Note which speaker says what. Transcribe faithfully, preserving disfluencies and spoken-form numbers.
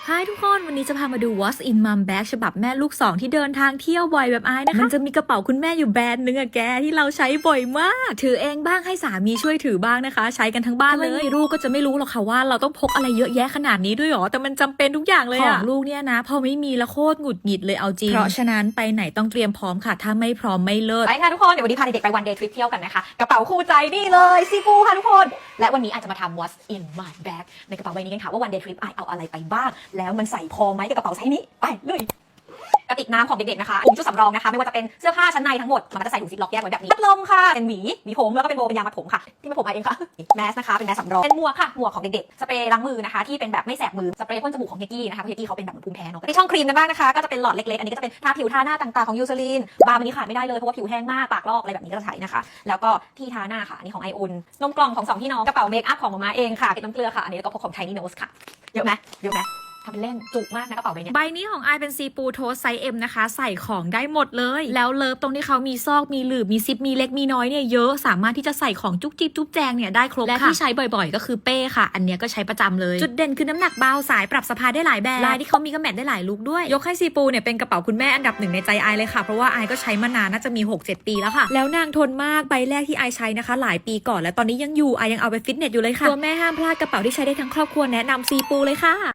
Speaker 1: ฮายทุกคนวันนี้จะพามาดู What's in Mom Bag ฉบับแม่ลูกสองที่เดินทางเที่ยวบ่อยแบบไอ้นะคะมันจะมีกระเป๋าคุณแม่อยู่แบรนด์นึงอะแกที่เราใช้บ่อยมากถือเองบ้างให้สามีช่วยถือบ้างนะคะใช้กันทั้งบ้านเลยไม่มีลูกก็จะไม่รู้หรอกค่ะว่าเราต้องพกอะไรเยอะแยะขนาดนี้ด้วยหรอแต่มันจำเป็นทุกอย่างเลยอะของลูกเนี่ยนะพอไม่มีแล้วโคตรหงุดหงิดเลยเอาจริงเพราะฉะนั้นไปไหนต้องเตรียมพร้อมค่ะถ้าไม่พร้อมไม่เลิศ
Speaker 2: ไปค่ะทุกคนเดี๋ยววันนี้พาเด็กๆไปวันเดย์ทริปเที่ยวกันนะคะกระเป๋าคู่ใจนี่เลยซีฟูค่ะทุกคนและวันนี้อาจจะมาทำ What's in my bag ในกระเป๋าใบนี้กันค่ะว่าวันเดย์ทริปไอเอาอะไรไปบ้างแล้วมันใส่พอไหมกับกระเป๋าไซส์นี้ไปเลยกระติกน้ำของเด็กๆนะคะถุงชุดสำรองนะคะไม่ว่าจะเป็นเสื้อผ้าชั้นในทั้งหมดมันก็จะใส่ถุงซิปล็อกแยกไว้แบบนี้พัดลมค่ะเป็นหวีหวีผมแล้วก็เป็นโบเป็นยางมัดผมค่ะที่มาผมมาเองค่ะแมสนะคะเป็นแมสสำรองเป็นหมวกค่ะหมวกของเด็กๆสเปรย์ล้างมือนะคะที่เป็นแบบไม่แสบมือสเปรย์พ่นจมูกของเฮกกี้นะคะเพราะเฮกกี้เขาเป็นแบบภูมิแพ้เนาะที่ช่องครีมกันบ้างนะคะก็จะเป็นหลอดเล็กๆอันนี้ก็จะเป็นทาผิวทาหน้าต่างๆของยูซาลีนบาร์มันนี้ขาดไม่ได้เลยเพราะว่าผิวแห้งมากปากลอกอะไรแบบนี้ก็จะใช้นะคะแล้วก็ที่ทาหน้าค่ะอันนี้ของไออุ่นนมกล่องของสองพี่น้องกระเป๋าเมคอัพของมาม่าเองค่ะเกล็ดน้ำเกลือค่ะอันนี้แล้วก็พกของ Tiny Nose ค่ะเยอะไหมเยอะไหมทำเป็นเล่นจุกมากนะกระเป๋าใบนี้
Speaker 1: ใบนี้ของไอเป็นซีปูโทสไซส์ เอ็ม นะคะใส่ของได้หมดเลยแล้วเลิฟตรงที่เขามีซอกมีหลืบมีซิปมีเล็กมีน้อยเนี่ยเยอะสามารถที่จะใส่ของจุกจิบจุกแจงเนี่ยได้ครบและที่ใช้บ่อยๆก็คือเป้ค่ะอันนี้ก็ใช้ประจำเลยจุดเด่นคือน้ำหนักเบาสายปรับสะพายได้หลายแบบลายที่เขามีก็แมทได้หลายลุคด้วยยกให้ซีปูเนี่ยเป็นกระเป๋าคุณแม่อันดับหนึ่งในใจไอเลยค่ะเพราะว่าไอก็ใช้มานานน่าจะมี หกเจ็ด ปีแล้วค่ะแล้วนางทนมากใบแรกที่ไอใช้นะคะหลายปีก่อนและตอนนี้ยังอยู่ไอยังเอาไปฟิตเนสอยู่เลยค่ะตัวแม่ห้ามพลาดกระเป๋าที่ใช้ได้ทั้งครอบครัวแนะนำซีปูเลยค่ะ